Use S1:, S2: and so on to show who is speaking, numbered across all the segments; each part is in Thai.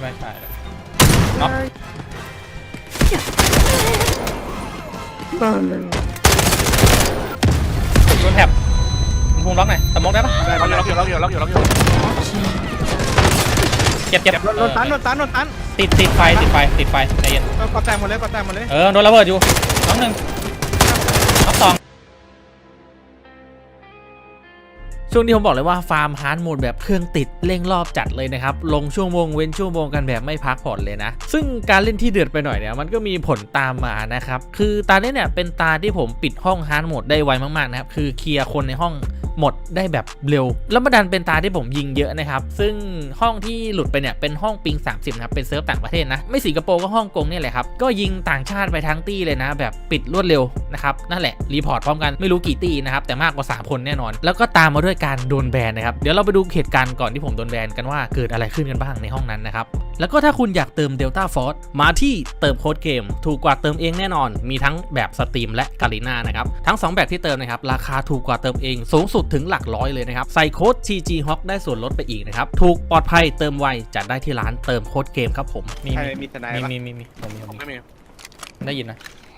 S1: ไม่ใช่เลยน็อกโดนแท็บภูมิล็อกหน่อยสมองได้ปะ
S2: ล็อกอยู่
S1: เจ็บ
S3: โดนตัน
S1: ติดไฟใจเย็น
S3: ก็แตกหมดเลย
S1: โดนระเบิดอยู่น้องหนึ่งน้องสองช่วงนี้ผมบอกเลยว่าฟาร์มฮาร์ดโหมดแบบเครื่องติดเร่งรอบจัดเลยนะครับลงชั่วโมงเว้นชั่วโมงกันแบบไม่พักผ่อนเลยนะซึ่งการเล่นที่เดือดไปหน่อยเนี่ยมันก็มีผลตามมานะครับคือตาเนี้ยเนี่ยเป็นตาที่ผมปิดห้องฮาร์ดโหมดได้ไวมากๆนะครับคือเคลียร์คนในห้องหมดได้แบบเร็วแล้วมาดันเป็นตาที่ผมยิงเยอะนะครับซึ่งห้องที่หลุดไปเนี่ยเป็นห้องปิง30นะครับเป็นเซิร์ฟต่างประเทศนะไม่สิงคโปร์ก็ฮ่องกงเนี่ยแหละครับก็ยิงต่างชาติไปทั้งตี้เลยนะแบบปิดรวดเร็วนะครับนั่นแหละรีพอร์ตพร้อมกันไม่รู้กี่ตี้นะครับแต่มากกว่า3คนแน่นอนแล้วก็ตามมาด้วยการโดนแบนนะครับเดี๋ยวเราไปดูเหตุการณ์ก่อนที่ผมโดนแบนกันว่าเกิดอะไรขึ้นกันบ้างในห้องนั้นนะครับแล้วก็ถ้าคุณอยากเติม Delta Force มาที่เติมโค้ดเกมถูกกว่าเติมเองแน่นอนมีทั้งแบบสตรีมและกาลิน่านะครับทั้ง2แบบที่เติมนะครับราคาถูกกว่าเติมเองสูงสุดถึงหลักร้อยเลยนะครับใส่โค้ด TG Hawk ได้ส่วนลดไปอีกนะครับถูกปลอดภัยเติมไวจัดได้ที่ร้านเติมโค้ดเกมครับผม
S3: มีทนาย
S1: มี
S2: ไม่มี
S1: ได้ยินนะ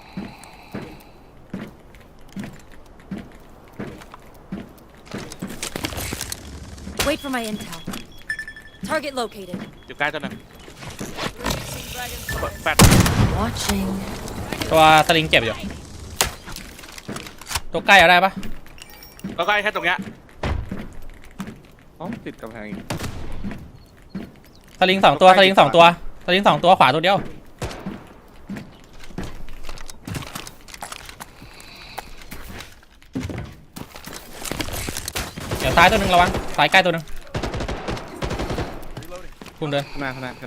S4: Wait for my intel. Target located.
S2: อยู่ใกล้ตัวนึงแฟด
S4: Watching.
S1: ตัวสลิงเจ็บอยู่ตัวใกล้เอาได้ปะ
S2: ก็ใกล้แค่ตรงเนี้ย
S3: ติดกำแพงอีก
S1: สลิง2ตัวขวาตัวเดียวเดี๋ยวซ้ายตัวหนึ่งระวังซ้ายใกล้ตัวหนึ่งคุณเดิน
S3: ข้างหน้า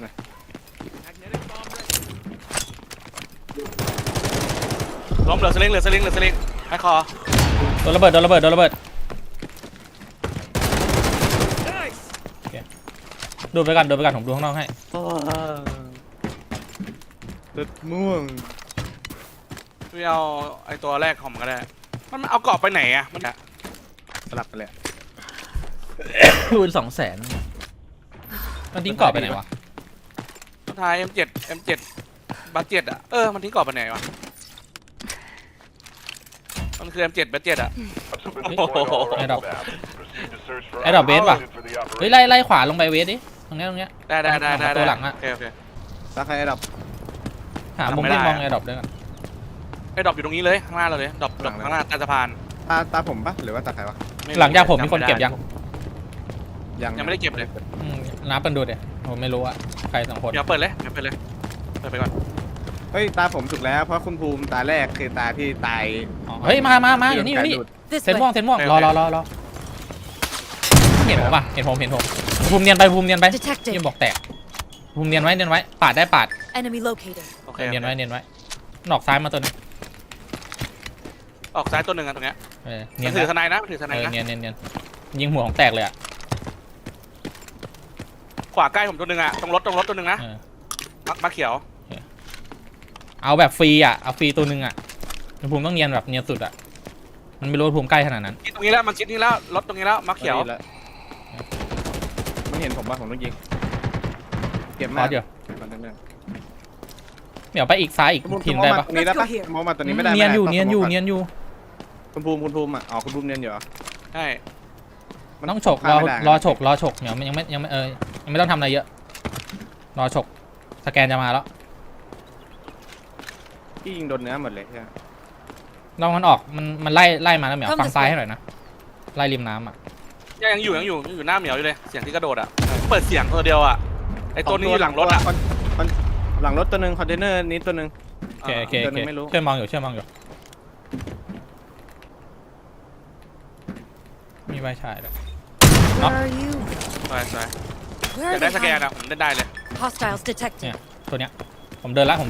S2: ล้มเหลือสลิงให้คอ
S1: โดนระเบิดดูไปกันผมดูข้างนอกให้
S3: ตึดม่วง
S2: พี่เอาไอตัวแรกของมันก็ได้มันเอาเกาะไปไหนอะมัน
S3: สลับกันเลย
S1: คูณ200,000มันทิ้งกรอบไปไหนวะ
S2: สุดท้าย M7 บัตเจ็ตอะมันทิ้งกรอบไปไหนวะมันคือ M7 บัตเจ็ตอะ
S1: ไอ้ดอกเบสป่ะเฮ้ยไล่ขวาลงไปเวสดิตรงเนี้ย
S2: ได้
S1: ตัวหลังอะ
S2: โอเค
S3: ตาใครไอ้ดับ
S1: หามุมที่มองไอ้ดอกด้วยกัน
S2: ไอ้ดอกอยู่ตรงนี้เลยข้างหน้าเราเลยดอกข้างหน้าใต้สะพาน
S3: ตาผมปะหรือว่าตาใครวะ
S1: หลังจากผมมีคนเก็บยัง
S2: ไม่ได้เก็บเลย
S1: นับกันดูเดี๋ยวผมไม่รู้อะใคร2คน
S2: เดี๋ยวเปิดเลยเปิดไปก่อน
S3: เฮ้ยตาผมถูกแล้วเพราะคุณภูมิตาแรกคือตาที่ตาย
S1: เฮ้ยมาอยู่นี่เซนม่วงรอเห็นผมป่ะเห็นผมภูมิเนียนไปยังบอกแตกภูมิเนียนไว้ปาดได้ปาดเนียนไว้หนอกซ้ายมาตัวนึง
S2: ออกซ้ายตัวหนึ่งอะตรงเนี้ย
S1: มัน
S2: ถือทนายนะ
S1: เนียนยิงหัวของแตกเลยอะ
S2: ขวาใกล้ผมตัวหนึ่งอะตรงรถตัวหนึ่งนะมาเขียว
S1: เอาแบบฟรีอะเอาฟรีตัวหนึ่งอะภูมิต้องเนียนแบบเนียนสุดอะมันไม่รู้ภูมิใกล้ขนาดนั้น
S2: ตรงนี้แล้วมันชิดนี่แล้วรถตรงนี้แล้วมาเขียว
S3: มันเห็นผมป่ะผมต้องยิงเก็บมาก
S1: เดี๋ยวไปอีกซ้ายอีกทีมได้ปะ
S3: นี่ได้ปะมองมาตัวนี้ไม่ได้
S1: เนียนอยู่
S3: คุณภูมิคุณภูมิเนียนอยู่เหรอ
S2: ใช่
S1: ต้องฉกรอฉกเดี๋ยวยังไม่ต้องทำอะไรเยอะรอฉกสแกนจะมาแล้ว
S3: ที่ยิงโดนเนื้อหมดเลยใช่ไหม
S1: ลองมันออกมันไล่มาแล้วเหมียวฟังซ้ายให้หน่อยนะไล่ริมน้ำอ่ะ
S2: ยังอยู่หน้าเหมียวอยู่เลยเสียงที่กระโดดอ่ะเปิดเสียงตัวเดียวอ่ะไอตัวนี้อยู่หลังรถอ่ะ
S3: หลังรถตัวหนึ่งคอนเทนเนอร์นี้ตัวหนึ่ง
S1: โอเคช่วยมองอยู่มีใบฉายด้วยน็อก
S2: ใช่จะได้สแกนอ่ะผมได้เลย
S1: เนี่ยตัวเนี้ยผมเดินละเห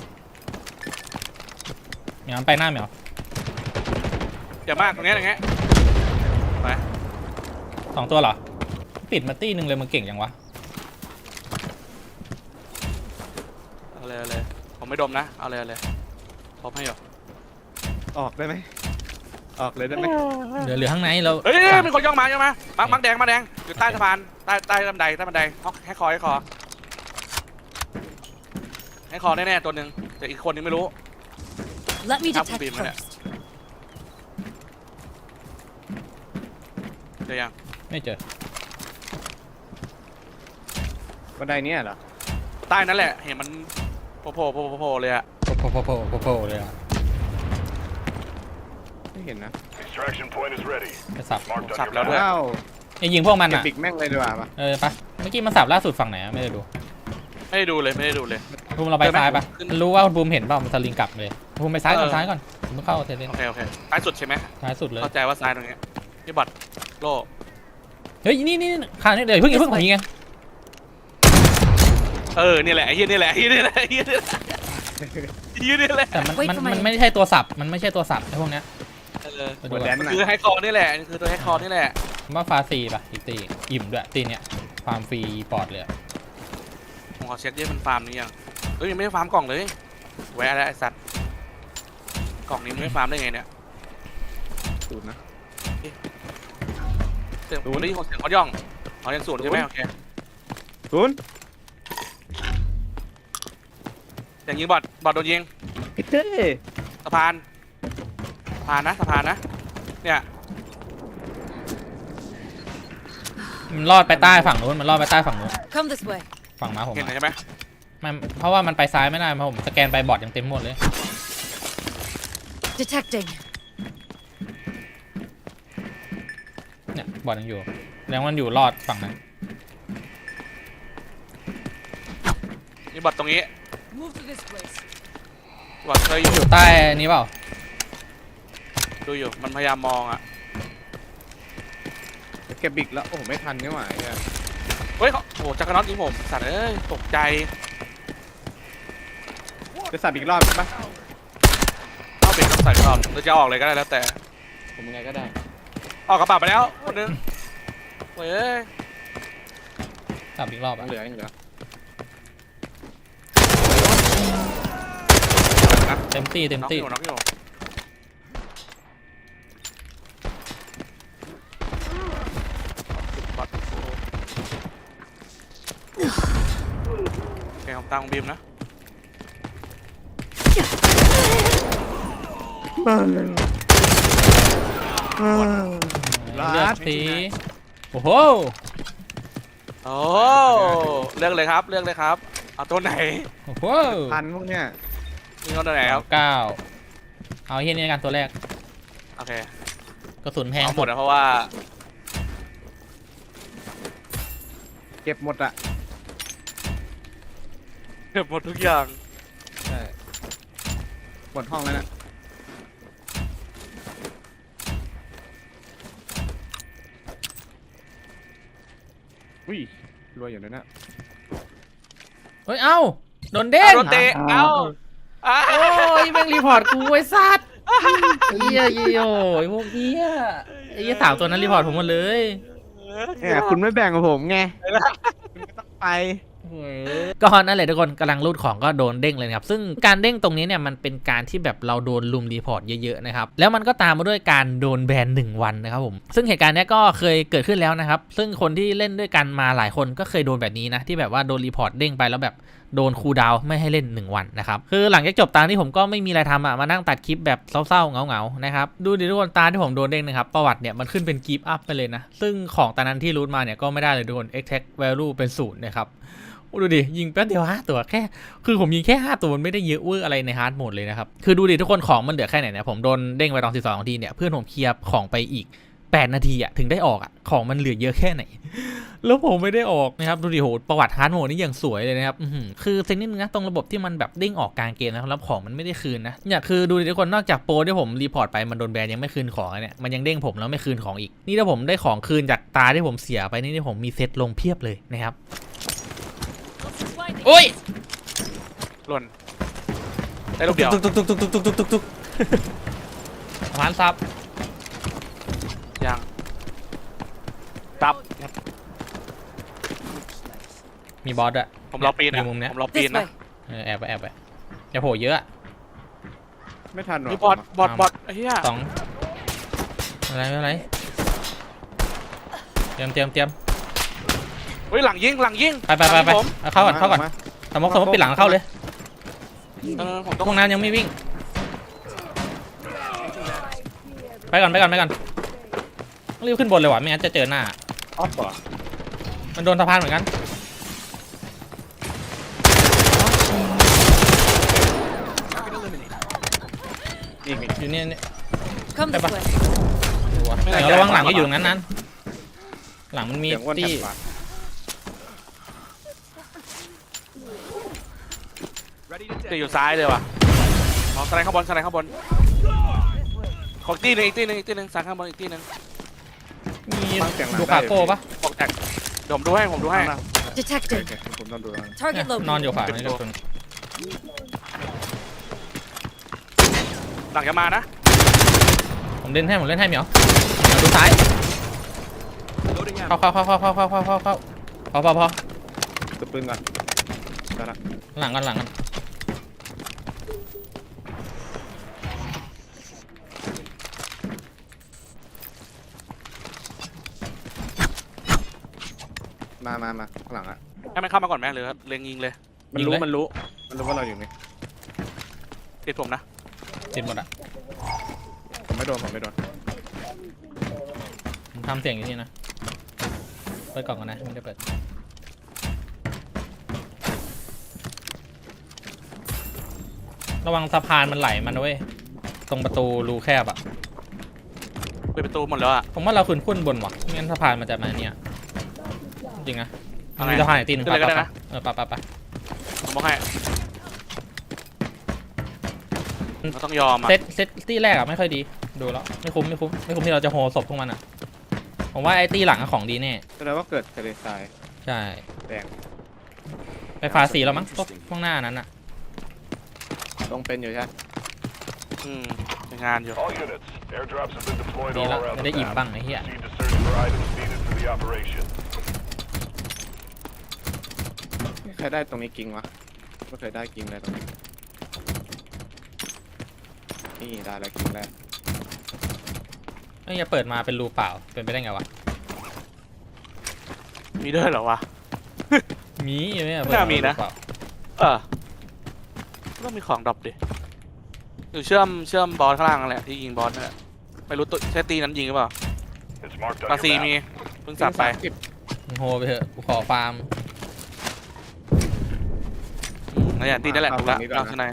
S1: มียไปหน้าเหมียว
S2: อย่ามากตรงนี้อย่างเงี้ยไป
S1: 2ตัวเหรอปิดมาตี้นึงเลยมันเก่งจังวะ
S2: เอาเลยผมไม่ดมนะเอาเลยพร้อมให้หรอ
S3: ออกได้ไหมออกเลยได้ไหม
S1: เหลือข้างในเรา
S2: เฮ้ยเป็นคนย่องมามักแดงอยู่ใต้สะพานใต้บันไดฮอกให้คอให้คอแน่ๆตัวหนึ่งแต่อีกคนนึงไม่รู้
S4: Let me
S2: Have
S4: detect
S2: to be a minute.
S4: first.
S2: เดี๋ยวยัง
S1: ไม่เจอ
S3: บันไดเนี้ยเหรอ
S2: ใต้นั่นแหละเห็นมันโผล่เลยอะ
S1: โผล่เลยอ่ะ
S3: ไม่เห็นนะ
S5: Extraction point is ready.
S1: ไปสับ
S5: Marked on
S2: สับ
S5: your
S2: แล้ว
S5: map.
S2: ด้วย
S3: ว้าว
S1: ไอ้ยิงพวกมัน
S3: เก็บ
S1: อ่ะ
S3: บิ๊กแม่งเลยดีกว่าปะ
S1: ปะเมื่อกี้มันสับล่าสุดฝั่งไหนอะไม่ได้ดู
S2: ไม่ได้ดูเลยไม่ได้ดูเลย
S1: ภูมิเราไปซ้ายปะ
S2: ขึ้น
S1: มันรู้ว่าภูมิเห็นเปล่ามันสลิงกลับเลยภูมิไปซ้ายก่อนซ้ายก่อนผมต้องเข้าเทเลน
S2: โอเคซ้ายสุดใช่ไหม
S1: ซ้ายสุดเลย
S2: เข้าใจว่าซ้ายตรงเนี้ยนี่บัตรโล่
S1: เฮ้ยนี่ข้างนี้เดี๋ยวเพิ่งผมยิงไง
S2: นี่แหละไอ้เหี้ยนี่แหละไอ้เหี้ยนี่แหละไอ้เหี้ยนี่แหละไอ้เหี้ยนี่แหละ
S1: แต่มัน
S4: Wait for my
S1: ไม่ใช่ตัวสับมันไม่ใช่ตัวสับไอ้พวกเนี้ย ไปดู
S3: หัว
S1: ก่
S3: แด
S1: อน
S3: นน่ะ
S2: คือไฮคอนี่แหละนี่คือตัวไฮคอนี่แหละ
S1: ผมว่าฟาซีป่ะอีกตีอิ่มด้วยตีเนี้ยฟาร์มฟรีปอดเลยอะ
S2: ผมขอเช็คดิมันฟาร์มนี้ยังยังไม่ได้ฟาร์มกล่องเลยแวะแล้วไอ้สัตว์กล่องนี้มันไม่ฟาร์มได้ไงเนี่ย
S3: สูตรนะ
S2: เสียงผมได้ยินเสียงเขาย่องยังศูนย์ใช่ไหมโอเค
S3: ศูนย์
S2: เสียงยิงบอดโดนยิง
S3: เฮ้
S2: สะพานนะเนี่ย
S1: มันรอดไปใต้ฝั่งนู้นมันรอดไปใต้ฝั่งนู้น
S4: Come this way.
S1: ฝั่งม้าผม
S2: เห็น
S1: อะ
S2: ใช่ไหม
S1: มันเพราะว่ามันไปซ้ายไม่ได้เพราะผมสแกนไปบอร์ดยังเต็มหมดเลย
S4: Detecting.
S1: เนี่ยบอร์ดยังอยู่แล้วมันอยู่รอดฝั่งนั้น
S2: มีบอดตรงนี้
S4: Move to this place.
S2: บอดเคยอยู่
S1: อยู่ใต้นี้เปล่า
S2: ดูอยู่มันพยายามมองอ่ะ
S3: เก็บบิ๊กแล้วโอ้โหไม่ทันนี่หว่าไอ้เหี้ย
S2: เฮ้ยโอ้จักรน็อตยิงผมสัตว์เอ้ยตกใจ
S3: จะสับอีกรอบใช่ปะ
S2: เอาเบรกต้องใส่ก่อนหรือจะออกเลยก็ได้แล้วแต่
S1: ผมยังไงก็ได้
S2: ออกกระเป๋าไปแล้วคนนึงเฮ้ย
S1: สับอีกรอบ
S3: ยั
S1: อะ
S3: งเหลือยังเหลือ
S1: เต็มตี
S2: น็อกอยู่บอดโอเคผมตามของบีมนะ
S1: เลือกสีโอ้โห
S2: โอ้เลือกเลยครับเอาตัวไหน
S1: โอ้โห
S3: พันพวกเนี้ย
S2: มีตัวไหนครับ
S1: 9เอาเฮียนี่กันตัวแรก
S2: โอเค
S1: กระสุนแพง
S2: เอาหม
S1: สุ
S2: ด
S1: ด
S2: นะเพราะว่า
S3: เก็บหมดอะ
S2: เก็บหมดทุกอย่าง
S3: ใช่หมดห้องแล้วน่ะอุ้ยรวยอยู่เลยนะ
S1: เฮ้ยเอ้าโดนเด้ง
S2: โดนเตะเอ้า
S1: โอ้ยแม่งรีพอร์ตกูไอ้สัตว์เฮียโอ้ยพวกเฮียไอ้เฮียสาวตัวนั้นรีพอร์ตผมหมดเลย
S3: เนี่ยคุณไม่แบ่งกับผมไงคุณก็ต้องไป
S1: ก็นั่นแหละทุกคนกำลังรูดของก็โดนเด้งเลยนะครับซึ่งการเด้งตรงนี้เนี่ยมันเป็นการที่แบบเราโดนลุมรีพอร์ตเยอะๆนะครับแล้วมันก็ตามมาด้วยการโดนแบน1 วันนะครับผมซึ่งเหตุการณ์นี้ก็เคยเกิดขึ้นแล้วนะครับซึ่งคนที่เล่นด้วยกันมาหลายคนก็เคยโดนแบบนี้นะที่แบบว่าโดนรีพอร์ตเด้งไปแล้วแบบโดนคูลดาวน์ไม่ให้เล่น1 วันนะครับคือหลังจากจบตาที่ผมก็ไม่มีอะไรทำมานั่งตัดคลิปแบบเศร้าๆเหงาๆนะครับดูดิทุกคนตาที่ผมโดนเด้งนะครับประวัติเนี่ยมันขึ้นเป็นกิฟต์อัพไปเลยนะซึ่งของตานั้นที่รูทมาเนี่ยก็ไม่ได้เลยทุกคน exact value เป็น0นะครับดูดิยิงแป๊บเดียว5 ตัวแค่คือผมยิงแค่5 ตัวมันไม่ได้เยอะเวอร์อะไรในฮาร์ดโหมดเลยนะครับคือดูดิทุกคนของมันเหลือแค่ไหนเนี่ยผมโดนเด้งไปตอน12 นาทีเนี่ยเพื่อนผมเคลียร์ของไปอีก8 นาทีอะถึงได้ออกอะของมันเหลือเยอะแค่ไหนแล้วผมไม่ได้ออกนะครับดูดิโหประวัติฮาร์ดโหมดนี่อย่างสวยเลยนะครับคือเซ็งนิดนึงนะตรงระบบที่มันแบบเด้งออกกลางเกมนะครับแล้วของมันไม่ได้คืนนะเนี่ยคือดูดิทุกคนนอกจากโปรที่ผมรีพอร์ตไปมันโดนแบนยังไม่คืนของเนี่ยมันยังเด้งผมแล้วไม่คืนของอีกนี่ถ้าผมได้ของคืนจากตาที่ผมเสียไปนี่ผมมีเซตลงเพียบเลยนะครับโอ้ย
S2: หล่นได้ลูกเดียว
S1: ตุกผ่านซับ
S2: ยังตับ
S1: มีบอสอะ
S2: ผมรอปีน
S1: ในมุมเนี้ย
S2: ผมรอปีน
S4: This
S2: นะ
S4: way.
S1: แอบไปอย่าโผล่เยอะอะ
S3: ไม่ทันหรอ
S2: มีบอดไอ้เหี้ย
S1: 2อะไรเตรียม
S2: เฮ้ยหลังยิง
S1: ไปเอาเข้าก่อนสมมติปิดหลังเข้าเลย
S2: ผมต้อง
S1: พวกนั้นยังไม่วิ่งไปก่อนรีบขึ้นบนเลยว่ะไม่งั้นจะเจอหน้า
S3: ออฟก่อน
S1: มันโดนสะพานเหมือนกัน
S3: อีกนี่
S1: อยู่เนี่ย
S4: Come this
S1: Bye-bye.
S4: way.
S1: ดูวะเดี๋ยวระวังหลังก็อยู่ตรงนั้นหลังมันมี
S3: เสียงอ้วน
S1: ที่
S3: แถบขวา
S2: จะอยู่ซ้ายเลยว่ะเอาสไลด์ข้างบนสไลด์ข้างบนของอีกตีหนึ่งสายข้างบนอีกตีหนึ่ง
S1: มี
S3: ฟังเสียงหลัง
S1: ดู
S3: ได้
S1: คาโก้ปะ
S2: บอกแตกเดี๋ยวผมดูให้
S3: โอเค
S4: Detected.
S3: ผมต้องดูแล้ว
S4: Target
S1: นอนอ
S4: located.
S1: ยู่ขวานี่ทุกคน
S2: หลังจะมานะ
S1: ผมเล่นให้เหมียวดูซ้ายเข้าพอ
S3: ตัวปืนก่อนได้ละ
S1: หลังกัน
S3: มาข้างหลังอ่ะ
S2: ให้มันเข้ามาก่อนไหมหรือเล็งยิงเลย
S3: มันรู้ว่าเราอยู่นี่
S2: ติดผมนะ
S1: ติดหมดอ่ะ
S3: ผมไม่โดน
S1: ผมทำเสียงอย่างนี้นะเปิดกล่องก่อนนะไม่ได้เปิดระวังสะพานมันไหลมันนะเว้ยตรงประตูรูแคบอ่ะ
S2: เปิดประตูหมดแล้วอ่ะ
S1: ผมว่าเราขึ้นบนว่ะไม่งั้นสะพานมันจะมาเนี่ยจริงนะมันมี
S2: เอาไง
S1: สะพานอีกตีหนึง
S2: ขึ้นเลยก็ได้นะ
S1: ไป
S2: ผมบอกให้เราต้องยอมอ่ะ
S1: เซตตีแรกอะไม่ค่อยดีดูแล้วไม่คุ้มที่เราจะโฮศพพวกมันอะผมว่าไอ้ตีหลังอะของดีแน่
S3: แสดงว่าเกิดทะเลทราย
S1: ใช่
S3: แดง
S1: ไปฟาสีแล้วมั้งพวกหน้านั้นอะ
S3: ลงเป็นอยู่ใช่ไหม
S2: เป็นงานอยู่
S5: All units, airdrops have been deployed
S1: ดี
S5: all
S1: แล้ว
S5: around
S1: จะ
S5: the
S1: ได้อิ่ม
S5: map.
S1: บ้างไอ้เหี้ย
S5: Proceed to search for items needed for the operation.
S3: ไม่เคยได้ตรงนี้กิ้งวะไม่เคยได้กิ้งเลยตรงนี้นี่ได้แล้วกิ้งแรก
S1: ไอ้เหี้ยเปิดมาเป็นรูเปล่าเป็นไปได้ไงวะ
S2: มีด้วยเหรอวะ
S1: มีไหมอะ
S2: น่ามีนะ
S1: เปิดรูเปล่า
S2: ต้องมีของดรอปดิอยู่เชื่อมบอสข้างล่างนั่นแหละที่ยิงบอสนั่นแหละไม่รู้ตัวใช่ตีนั้นยิงหรือเปล่า
S5: It's marked
S2: ปา
S5: on
S2: ซี
S5: your
S2: มี
S5: map.
S2: เพิ่งสับไป
S1: มึงโฮไปเถอะกูขอฟาร์ม
S2: นั่นแหละตีนั่นแหละถูกแล้วเราข้างใน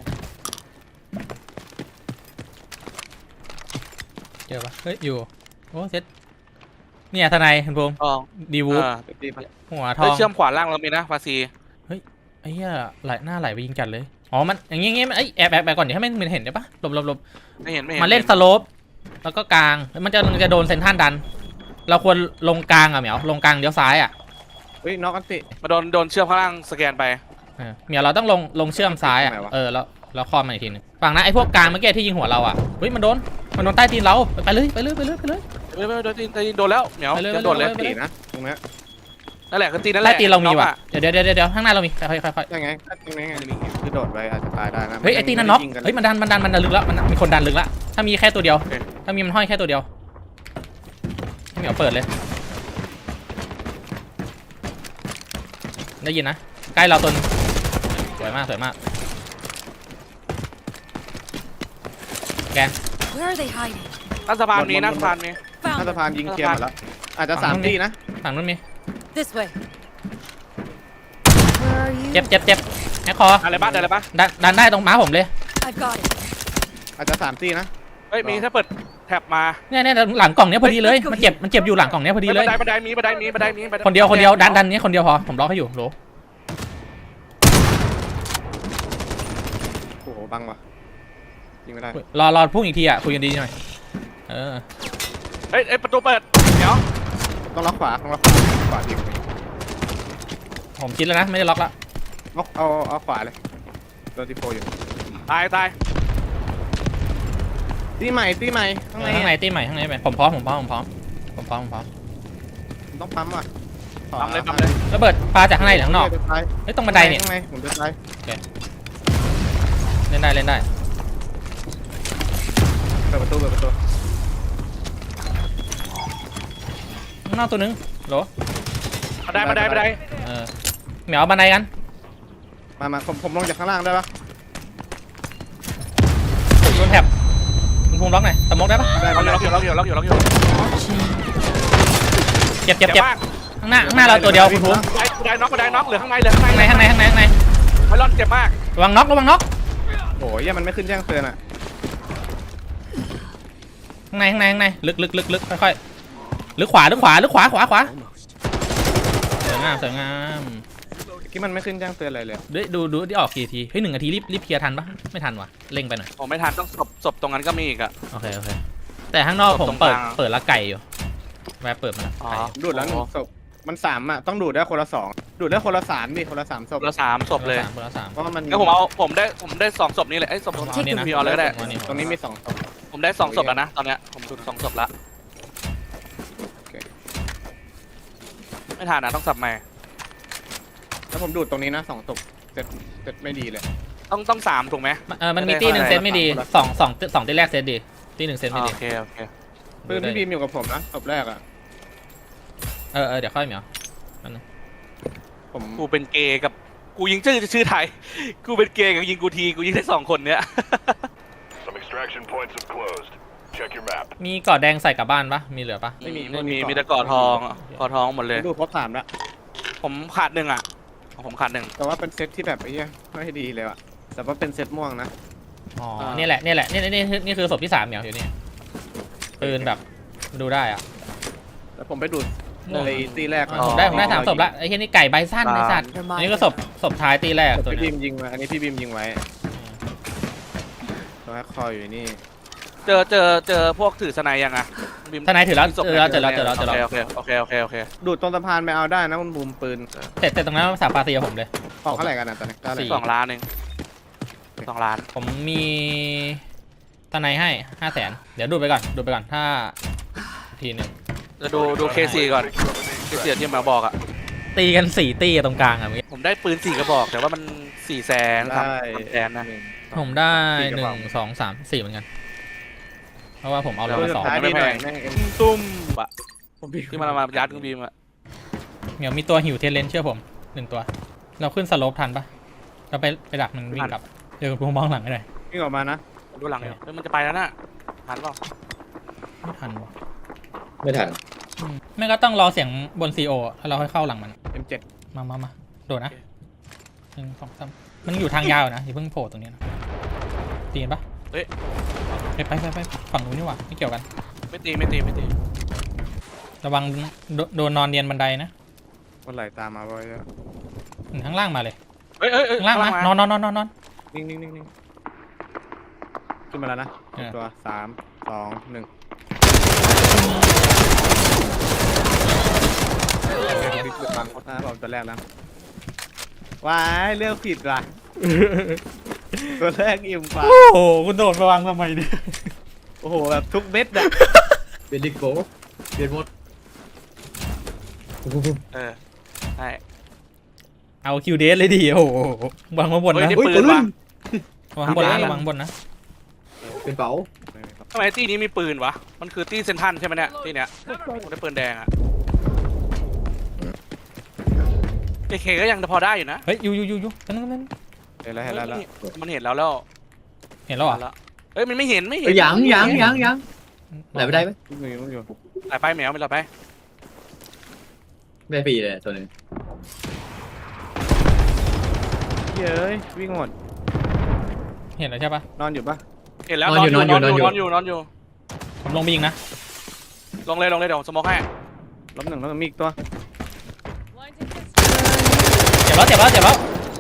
S1: เจอปะเฮ้ยอยู่โอ้เซตเนี่ยทนายคุณภูมิ
S2: ทอง
S1: ดีวูฟ
S3: ตีไป
S1: หัวท
S2: เฮ้
S1: อย ง
S2: เชื่อมขวาล่างเรามีนะปาซี
S1: ไอ้เหี้ยหน้าไหลไปยิงจัดเลยอ๋อมันอย่างงี้มันแอบก่อนเดี๋ยวให้มันเห็นได้ปะหลบ
S2: ไม่เห็น
S1: มาเล่นสโลปแล้วก็กลางมันจะโดนเซนทรันดัน เราควรลงกลางอะเหมียวลงกลางเดี๋ยวซ้ายอะ
S3: เฮ้ยน็อกอันติ
S2: มาโดนเชื่อมข้างล่างสแกนไป
S1: เหมียวเราต้องลงเชื่อมซ้ายอะ
S3: ทำไมวะ
S1: แล้วคอมมาอีกทีนึงฝั่งนั้นไอ้พวกกลางเมื่อกี้ที่ยิงหัวเราอะเฮ้ยมันโดนใต้ตีนเราไปเลย
S2: ไม่โดนตีนโดนแล้วเหมียว
S1: ไปเลย
S2: จะโดนเลย
S3: ตีนะตรงนี้
S2: นั่นแหละคือตีนนั่นแห
S1: ใต้
S2: ละ
S1: ตีนเรามีว่ะ
S2: น็อกอ
S1: เดี๋ยวข้างหน้าเรามีค่อย
S3: ยังไงตรงนี้ไงคือโดดไปอาจจะตายได้นะ
S1: เฮ้ยไอ้ตีนนั่นน็อกเฮ้ยมันดันลึกแล้วมันมีคนดันลึกแล้วถ้ามีแค่ตัวเดียว
S2: โอเค
S1: ถ้ามีมันห้อยแค่ตัวเดียวให้เหมียวเปิดเลยได้ยินนะใกล้เราตัวนึงสวยมากแก
S4: Where are they hiding?
S2: นั่นสะพานมีนั่นสะพานมี
S3: ถ้า
S4: Found
S3: สะ
S4: them.
S3: พานยิงเคลียร์หมดแล้วอาจจะ3ที่นะ
S1: ฝั่งนู้นมี
S4: This way. Where are you?
S1: เจ็บแฮกคอ
S2: อะไรบ้างอะไรบ้าง
S1: ดันได้ตรงม้าผมเลย
S4: I've got it.
S3: อาจจะ3ที่นะ
S2: เฮ้ยมีถ้าเปิดแท็บมา
S1: เนี่ยหลังกล่องเนี้ยพอดีเลยมันเจ็บอยู่หลังกล่องเนี้ยพอดีเลย
S2: บันไดมี
S1: คนเดียวดันนี้คนเดียวพอผมล็อกให้อยู่โหล
S3: โอ้โหบังว่ะยิงไม่ได้
S1: รอพุ่งอีกทีอ่ะคุยกันดีหน่อยเออ
S2: เฮ้ยประตูเปิดเดี๋ยว
S3: ต้องล็อกขวาทีม
S1: ผมคิดแล้วนะไม่ได้ล็อกละ
S3: ล็อกเอาขวาเลยโดนทีโฟอยู่
S2: ตาย
S3: ตีใหม่ข้างใน
S1: ข้างในตีใหม่ข้างในไปผมพร้อม
S3: ต้องปั๊มว่ะ
S2: ปั๊มเลย
S1: ระเบิดปลาจากข้างในหรือข้างนอก
S3: ซ้าย
S1: เฮ้ยตรงบันไดเนี่ย
S3: ข้างในผมจะซ้าย
S1: เล่นได้
S3: เปิดประตู
S1: ข้างนอกตัวนึงโหล
S2: บันได
S1: เหมียวบันไดกัน
S3: มาผมลงจากข้างล่างได้ปะ
S1: โดนแท็บคุณภูมิล็อกหน่อยสโมกได้ปะ
S3: ได้
S2: ล็อกอยู่ล็อกอยู่ล็อกอยู่ล็อกอยู่ล็อกอยู่
S1: เจ็บ
S2: เจ็บมาก
S1: ข้างหน้าเราตัวเดียวคุณภูมิ
S2: ได้น็อกได้น็อกเหลือข้างในเหลือข้างใน
S1: ข้างใน
S2: ไพลอนเจ็บมาก
S1: ระวังน็อก
S3: โอ้ยมันไม่ขึ้นแจ้งเตือนอ่ะ
S1: ข้างในลึกค่อยๆลึกขวาสวยงาม
S3: ที่มันไม่ขึ้นแจ้งเตือนอะไรเลย
S1: ดูที่ออกกี่ทีเฮ้ย1 นาทีรีบเคลียร์ทันปะไม่ทันว่ะเร่งไปหน่อย
S2: ผมไม่ทันต้องศพตรงนั้นก็มีอีกอะ
S1: โอเคแต่ข้างนอกผม
S2: ตรงกลาง
S1: เปิดละไก่อยู่แวะเปิดมาละ
S2: อ๋อ
S1: ไก่
S3: ดูดแล้ว1 ศพมัน3อ่ะต้องดูดได้คนละ2ดูดได้คนละ3ดิคนละ3 ศพ
S2: เหลือ3ศพเลย
S1: เปิดละ3
S3: เพราะว่ามัน
S2: ก็ผมได้2ศพนี้เลยไอ้ศพตรง
S1: เอานี่นะ
S2: พี่เอาเลยก็ได้
S3: ตรงนี้มี2 ศพ
S2: ผมได้2ศพแล้วนะตอนเนี้ยผมดู2ศพละ
S3: โอเค
S2: ไม่ทันนะต้องสับใหม่
S3: แล้วผมดูดตรงนี้นะ2 ศพเสร็จไม่ดีเลย
S2: ต้อง3ถูกไหม
S1: มันมีตีหนึ่งเซตไม่ดีสองตีแรกเซตดีตีหนึ่งเซตไม่ดี
S2: โอเค
S3: ปืนพี่บีมอยู่กับผมนะศพแรกอ่ะ
S1: เดี๋ยวค่อยเหมียว
S3: ผม
S2: กูเป็นเกย์กับกูยิงชื่อไทยกูเป็นเกย์กับยิงกูทีกูยิงได้2คนเนี้ย
S5: Some extraction points have closed. Check your map.
S1: มีกอดแดงใส่กลับบ้านปะมีเหลือปะ
S3: ไม่มี
S2: มีแต่กอดทองกอดทองหมดเลย
S3: ดูดครบ3แล้ว
S2: ผมขาด1อ่ะผมขาด1
S3: แต่ว่าเป็นเซตที่แบบไอ้เหี้ยไม่ดีเลยอ่ะแต่ว่าเป็นเซตม่วงนะ
S1: อ๋อนี่แหละนี่คือศพที่3เหมียวอยู่นี่ปืนแบบดูได้อะ
S3: แล้วผมไปดูดในตีแรก
S1: ผมได้3ศพละไอ้เหี้ยนี่ไก่ใบสั้นไอ้สัตว์อันนี้ก็ศพท้ายตีแรกตัว
S3: พี่
S1: นี้
S3: บีมยิงมาอันนี้พี่บีมยิงไว้ตัวคอยอยู่นี่
S2: เจอพวกถือสไนยังอ่ะ
S1: ทนายถือแล้วเจอแล้ว
S2: โอเค
S3: ดูดตรงสะพานไปเอาได้นะคุณบูมปืน
S1: แต่ตรงนั้นสามปาตีกับผมเลย
S3: ออกเท่าไหร่กันนะตอนนี้ได้เลย
S2: 2 ล้านเอง2 ล้าน
S1: ผมมีทนายให้500,000เดี๋ยวดูไปก่อนถ้าทีนึง
S2: จะดูเคซีก่อนเคซีที่มาบอกอ่ะ
S1: ตีกัน4ตีตรงกลางอะเมื่อกี้
S2: ผมได้ปืน4 กระบอกแต่ว่ามัน400,000ครับ300,000นะ
S1: ผมได้1 2 3 4เหมือนกันเพราะว่าผมเอาลง
S3: ตัว
S1: มา
S3: สุ
S1: สอง
S3: ดท้ายดีหน่อยแม่ง
S2: ตุ้มปะ
S3: ผมบีม
S2: ที่มายัดกูบีมอ่ะ
S1: เหมียวมีตัวหิวเทเลนเชื่อผม1 ตัว เราขึ้นสโลปทันปะเราไปดักมันวิ่งกลับเดี๋ยวผมมองหลังให้หน่อย
S3: วิ่งออกมานะ
S2: ดูหลังอยู่มันจะไปแล้วน่ะทันเปล่า
S1: ไม่ทันวะ
S6: ไม่ทัน
S1: ไม่ก็ต้องรอเสียงบนซีโอแล้วเราค่อยเข้าหลังมัน
S3: M7
S1: มาโดดนะ1 2 3มันอยู่ทางยาวนะอย่าเพิ่งโผล่ตรงนี้นะตีกันปะไปฝั่งนู้นนี่หว่าไม่เกี่ยวกัน
S2: ไม่ตี
S1: ระวังโดนนอนเรียนบันไดนะ
S3: คนไหลตามมาบ่อย
S1: ข้างล่างมาเลย
S2: เอ้ย
S1: ข้างล่างมานอน
S3: นิ่งขึ้นมาแล้วนะตัว3 2 1ฟังโคตรผมตัวแรกแล้วว้ายเลือกผิดว่ะตัวแรกอิ่มฟ้า
S1: โอ้โหคุณโดดไปวางทำไมเนี่ย
S3: โอ้โหแบบทุกเม็ดอะ
S6: เปลี่ยนดิโก้เปลี่ยนหมด
S2: ใช่
S1: เอาคิวเดสเลยดิโอ้โหวางมาบน
S2: เฮ้ย
S1: นะ
S2: นี่ปืนว่ะ
S1: วางบนนะระวังบนนะ
S6: เป็นเป๋า
S2: ทำไมตี้นี้มีปืนวะมันคือตี้เซนทันใช่ไหมเนี่ยตี้เนี้ยผมได้ปืนแดงอ่ะเคก็ยังพอได้อยู่นะ
S1: เฮ้ยอยู่นั่น
S3: เห็นแล้ว
S2: มันเห็นแล้ว
S1: เห็นแล้วเหรอ
S2: เฮ้ยมันไม่เห็น
S6: ยังไหนไม่ได้ไหม
S3: อยู่
S2: ไหลไปแมวไม่ไหลไป
S6: ไม่ได้ฟรีเลยตัวนึง
S3: เย้ยวิ่งหมด
S1: เห็นแล้วใช่ปะ
S3: นอนอยู่ปะ
S2: เห็นแล้วนอนอยู่
S1: ผมลงไปยิงนะ
S2: ลงเลยเดี๋ยวสมองให้
S3: ล้มหนึ่งแล้วมีอีกตัว
S1: เจ็บแล้ว
S2: ก็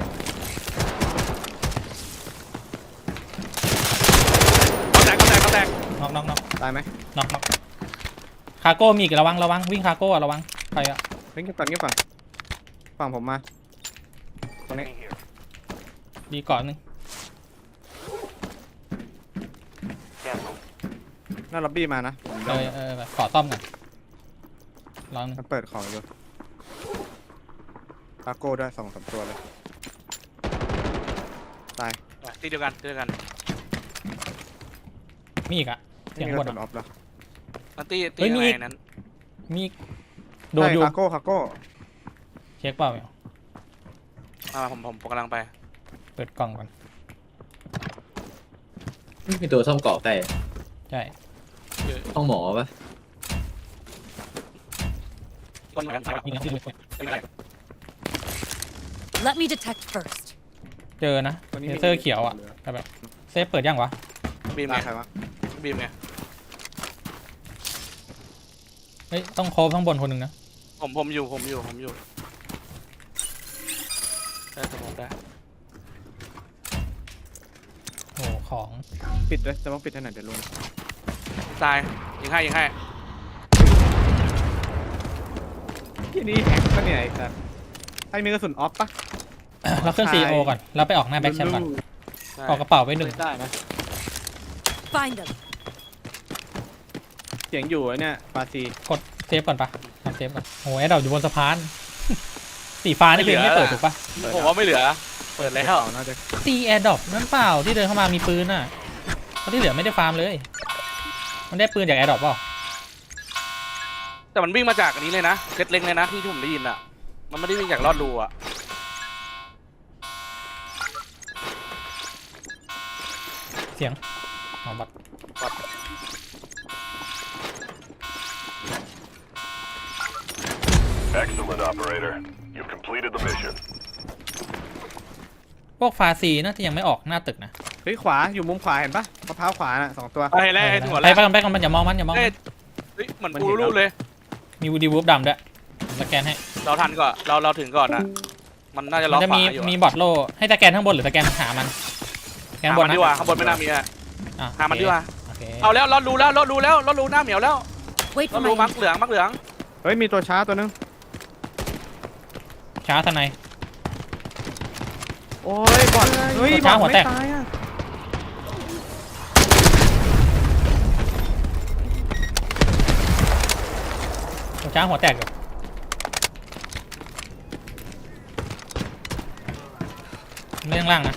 S2: แตก
S1: น็อก
S3: ตายไหม
S1: คาโก้มีอีกระวังวิ่งคาโก้ระวังใครอะ
S3: เฮ้ยฝั่งผมมาตรงนี้
S1: ดีก่อนนึง
S3: หน้าล็อบบี้มานะ
S1: ขอซ่อมก่อนลองนึง
S3: มันเปิดของอยู่คาโก้ด้วย2-3 ตัวเลยตาย
S2: ตีเดียวกัน
S1: มีอีกอะเสียงบน
S3: ออฟแล้ว
S2: นั่นตีอะไรนั้น
S1: มีโดนอยู่
S3: คาโก้
S1: เช็คเปล่าเนี่ย
S2: ผมกำลังไป
S1: เปิดกล่องก่อน
S6: มีตัวซ่อมเกาะใกล้
S1: ใช่
S6: ห้องหมอปะ
S2: ต้นไม้
S4: Let me detect first.
S1: เจอนะเลเซอร์เขียวอ่ะแต่แบบเซฟเปิดยังวะ
S2: บีม
S3: ตา
S2: ไง
S3: ใครวะ
S2: บีมไง
S1: เฮ้ยต้องโคบข้างบนคนหนึ่งนะ
S2: ผมอยู่ได้สมองได้
S1: โอ้ของ
S3: ปิดเลยจะต้องปิดให้หน่อยเดี๋ยวลง
S2: ตายยิงให้
S3: ที่นี่แฮกปะเนี่ยไอ้สัสให้มีกระสุนออฟปะ
S1: เราเครื่อง CEO ก่อนแล้วไปออกหน้าแบ็คแชมป์ก่อน
S2: ใช่
S1: ออกกระเป๋าไว้หนึ่ง
S3: ได้นะ
S4: Find them.
S3: เสียงอยู่ไอ้เนี่ยปาซี
S1: กดเซฟก่อนปะทำเซฟก่อนโอ้ยเราอยู่บนสะพาน สีฟ้านี่คือยังไม่เปิดถูกปะ
S2: ผมว่าไม่เหลือเปิดแล้ว
S3: น่าจะ
S1: ตีแอร์ดรอปนั่นเปล่าที่เดินเข้ามามีปืนน่ะเพราะที่เหลือไม่ได้ฟาร์มเลย มันได้ปืนจากแอร์ดรอปเปล่า
S2: แต่มันวิ่งมาจากอันนี้เลยนะเซตเล็งเลยนะที่ผมได้ยินอ่ะมันไม่ได้วิ่งจากลอดรูอ่ะ
S1: เสียงของบัต
S5: Excellent, operator. You've completed the mission.
S1: พวกฟาซีน่าจะยังไม่ออกหน้าตึกนะ
S3: เฮ้ยขวาอยู่มุมขวาเห็นปะมะพร้าวขวาน่ะ2 ตัว
S2: ไปแล้วหัว
S1: ไป
S2: แล้ว
S1: ไปกันอย่ามองมันอย่ามองมัน
S2: เฮ้ยเหมือนกูรู้เลย
S1: มีวูดีวูฟดำด้วยสแกนให้
S2: เราทันก่อนเราถึงก่อนนะมันน่าจะล็
S1: มั
S2: อก
S1: นจะ
S2: ข
S1: มี
S2: วาอยู่
S1: มีบอทโล่ให้สแกนข้างบนหรือสแกนหามันสแกน
S2: หา
S1: บน
S2: มัน
S1: นะ
S2: ดีกว่าข้างบนไม่น่ามีอ่ะ
S1: อ่ะ
S2: หามันดีกว่า
S1: โอเค
S2: เอาแล้วเรารู้หน้าเหมียวแล้ว
S4: Wait
S2: เรา
S4: for
S2: รู้
S4: my
S2: มัก
S4: intel.
S2: เหลือง
S3: เฮ้ยมีตัวช้าตัวนึง
S1: ช้าทนาย
S3: โอ้ยบอดเฮ้ย
S1: ตัวช้าหัวแตก
S3: บอดไม่ตายอะ
S1: ช้าหัวแตกอยู่ไม่ข้างล่างนะ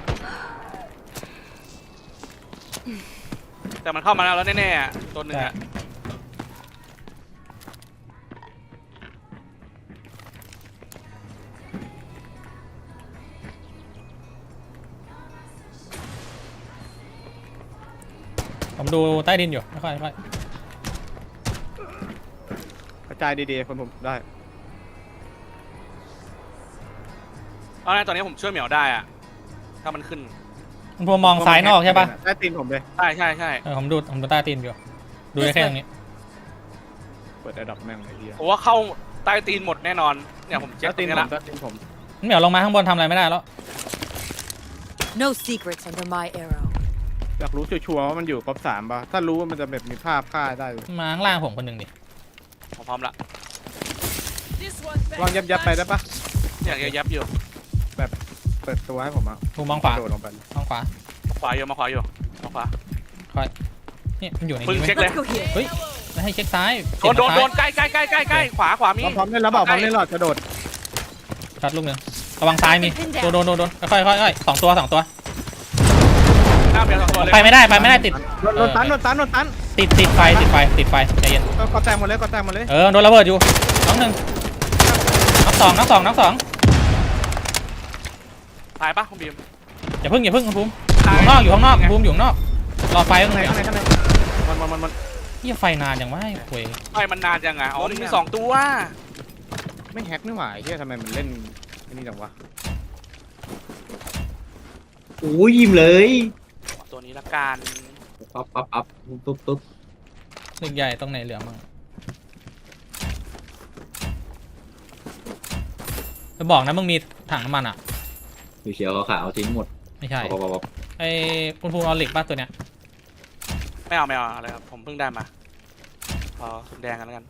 S2: แต่มันเข้ามาแล้วแน่ๆอ่ะตัวหนึงอ่ะ
S1: ผมดูใต้ดินอยู่ไม่ค่อย
S3: กระจายดีๆคนผมได้
S2: เอาไงตอนนี้ผมช่วยเหมียวได้อ่ะถ้ามันขึ้น
S1: คุณภูมิมองซ้ายนอกใช่ปะ
S3: ใต้ตีนผมเลย
S2: ใช่
S1: ผมดูใต้ตีนอยู่ดูได้แค่ตรงนี้
S3: เปิดแอร์ดรอปแม่งไอ้เหี้ย
S2: ผมว่าเข้าใต้ตีนหมดแน่นอนเนี่ยผมเช็ค
S3: ใต้
S2: ตร
S3: ตีน
S2: งนี้
S3: ผม
S2: ละ
S3: ใต้ตีนผม
S1: เหมียวลงมาข้างบนทำอะไรไม่ได้แล้ว
S4: No secrets under my arrow.
S3: อยากรู้ชัวร์ๆว่ามันอยู่ครบ3ป่ะถ้ารู้ว่ามันจะแบบมีภาพฆ่าได้เลย
S1: มาข้างล่างผมคนหนึ่งดิ
S2: ผมพร้อมละ
S3: ลองยับไปได้ปะ
S2: อยากจะยับอยู่
S3: เปิดตัวให้ผมอ่ะ
S1: ภูมิมองขวา
S3: โดดลงไป
S1: มองขวา
S2: มาขวาอยู่มาขวา
S1: นี่มันอยู่ใน
S2: มึง
S1: นี้
S2: เช็ค
S1: ไหม
S2: เลย
S4: Let's go here.
S1: เฮ้ยแล้วให้เช็คซ้าย
S2: โดน
S1: เปลี่ยน
S2: ใกล้ขวามี
S3: พร้อมเล่นแล้วบอกพร้อมเล่นหลอดกระโดด
S1: ช็อตลูกหนึ่งระวังซ้ายมีโดนค่อยสองตัว
S2: หน้าเหมียว2 ตัวเลย
S1: ไปไม่ได้ติด
S3: โดนตัน
S1: ติดไฟใจเย็น
S3: ก็แตกหมดเลยก็แตกหมดเลย
S1: โดนระเบิดอยู่น้องหนึ่งน้องสอง
S2: ตายปะคุณบีม
S1: อย่าพึ่งคุณภูมิอยู่ข้างนอกภูมิอยู่ข้างนอกรอไฟข้างใน
S3: ข้างในมัน
S1: เหี้ยไฟนานอย่างว่าให้คุย
S2: ไฟมันนานจังอ่ะอ๋อนี่มี2 ตัว
S3: ไม่แฮกนี่หว่าไอ้เหี้ยทำไมมันเล่นไอ้นี่จังวะ
S6: โอ้ยยิ้มเลย
S2: ตัวนี้ละกัน
S6: ปั๊บปุ๊บ
S1: ตึกใหญ่ตรงไหนเหลือมั่งจะบอกนะมึงมีถังน้ำมันอ่ะ
S6: เขียวขาวทิ้งหมด
S1: ไม่ใช่
S6: ปั๊บ
S1: ไอ้คุณภูมิเอาเหล็กป่ะตัวเนี้ย
S2: ไม่เอาอะไรครับผมเพิ่งได้มาพอแดงกันแล้วกัน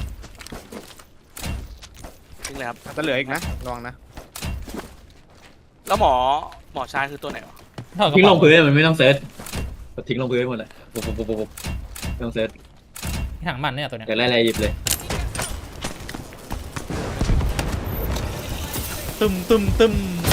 S2: ทิ้งเลยครับ
S3: จะเหลืออีกนะระวังนะ
S2: แล้วหมอชายคือตัวไหนวะ
S1: ถอดกระ
S6: ทิ้งล
S1: เป๋าง
S6: พื้นมันไม่ต้องเซิร์ชทิ้งลงพื้นหมดเลยปุ๊บไม่ต้องเซิร์ช
S1: ถังน้ำมันเนี่ยตัวเนี้ย
S6: อยากไล่อะไรหยิบเลย
S1: ตึม